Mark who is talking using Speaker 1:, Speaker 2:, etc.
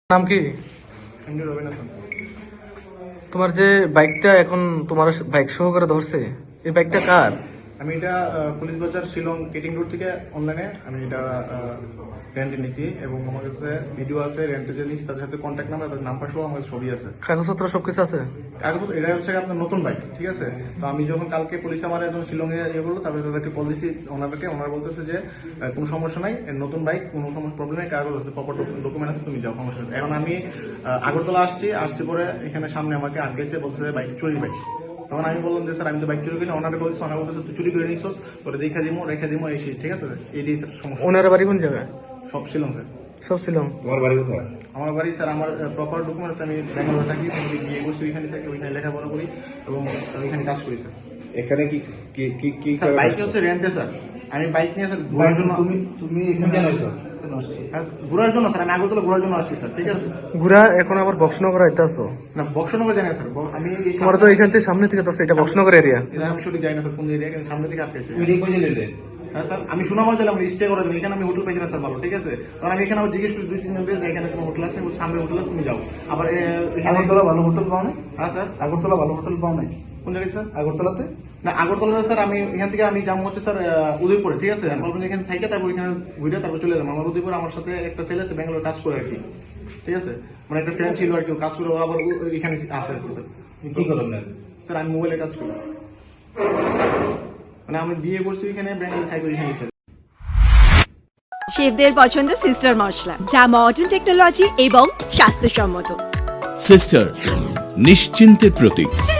Speaker 1: নাম কি?
Speaker 2: এমডি রবিন হাসান।
Speaker 1: তোমার যে বাইকটা এখন তোমার বাইক সহকারে ধরছে, এই বাইকটা কার?
Speaker 2: আমি এটা পুলিশ বাজার শিলং কেটিং রোড থেকে অনলাইনে আমি এটা রেন্টে নিয়েছি এবং আমার কাছে ভিডিও আছে রেন্টে যে নিচ্ছি তাদের সাথে কন্ট্যাক্ট নাম্বার তাদের নাম্বার সহ আমার ছবি আছে,
Speaker 1: কাগজপত্র সবকিছু আছে?
Speaker 2: কাগজ। এটা হচ্ছে আপনার নতুন বাইক, ঠিক আছে। তো আমি যখন কালকে পুলিশ আমার একজন শিলং এ ইয়ে করলো, তারপরে তাদেরকে কল দিচ্ছি ওনারা বলতেছে যে কোনো সমস্যা নাই, নতুন বাইক, কোনো প্রবলেম নেই, কাগজ আছে, প্রপার ডকুমেন্ট আছে, তুমি যাও, সমস্যা নেই। এখন আমি আগরতলা আসছি পরে এখানে সামনে আমাকে আটকেছে, বলতেছে বাইক চুরি বাইক। তখন আমি বললাম যে স্যার আমি তো বাইক চুরি করি না, ওনারা বলছে তুই চুরি করে নিচ্ছিস, তোরে রেখে দিবো এসে, ঠিক আছে। এইটাই স্যার সমস্যা।
Speaker 1: ওনার বাড়ি কোন জায়গায়?
Speaker 2: সব শিলং স্যার।
Speaker 1: সব ছিল।
Speaker 3: তোমার বাড়ি কোথায়?
Speaker 2: আমার বাড়ি স্যার, আমার প্রপার ডকুমেন্ট হচ্ছে আমি ব্যাঙ্গালোরে থাকি, বিয়ে করছি ওইখানে থাকি, ওইখানে লেখাপড়া করি এবং ওইখানে কাজ করি স্যার।
Speaker 3: এখানে কি কি কি কি
Speaker 2: স্যার বাইক হচ্ছে রেন্টে স্যার, আমি বাইক নিয়ে স্যার ঘোরার জন্য।
Speaker 3: তুমি এখানে কেন এসো?
Speaker 2: হ্যাঁ, ঘোরার জন্য স্যার, আমি আগরতলা ঘোরার জন্য আসছি স্যার, ঠিক আছে।
Speaker 1: ঘুরা এখন আবার বক্সনগর আইতাছো?
Speaker 2: না, বক্সনগর জানি না স্যার, আমি এই
Speaker 1: তোমার তো এখান থেকে সামনে থেকে ধরছে, এটা বক্সনগর এরিয়া।
Speaker 2: এটা আমি সঠিক জানি না স্যার কোন এরিয়া, কিন্তু সামনে থেকে আটকেছে।
Speaker 3: তুমি রিকো জেলে
Speaker 2: হ্যাঁ স্যার, আমি সুনাম দিলাম স্টে করার জন্য, এখানে আমি হোটেল পাইছি না স্যার ভালো, ঠিক আছে। কারণ আমি এখানে আবার জিজ্ঞেস করছি 2-3 জনকে যে এখানে কোনো হোটেল আছে, সামনে হোটেল আছে, তুমি যাও। আবার
Speaker 4: আগরতলা ভালো হোটেল পাও না?
Speaker 2: হ্যাঁ স্যার।
Speaker 4: আগরতলা ভালো হোটেল পাও নাই?
Speaker 2: কোন জায়গায় স্যার?
Speaker 4: আগরতলাতে
Speaker 2: না, আগরতলা স্যার আমি এখান থেকে আমি যাবো হচ্ছে স্যার উদয়পুরে, ঠিক আছে। আমি বলবেন এখানে থাকি, তারপর এখানে ঘুরে তারপর চলে যাবো। আমার উদয়পুর আমার সাথে একটা ছেলে আছে ব্যাঙ্গালোর কাজ করে আর কি, ঠিক আছে। মানে একটা ফ্রেন্ড ছিল আর কি, কাজ করে, ও আবার এখানে আছে আর কি স্যার।
Speaker 3: কি করলাম না?
Speaker 2: স্যার আমি মোবাইলে কাজ করি, মানে আমি বিয়ে করছি এখানে, ব্যাঙ্গালোর থাকি এখানে স্যার।
Speaker 5: শেফদের পছন্দ সিস্টার মশলা, যা মডার্ন টেকনোলজি এবং স্বাস্থ্যসম্মত।
Speaker 6: সিস্টার নিশ্চিন্তের প্রতীক।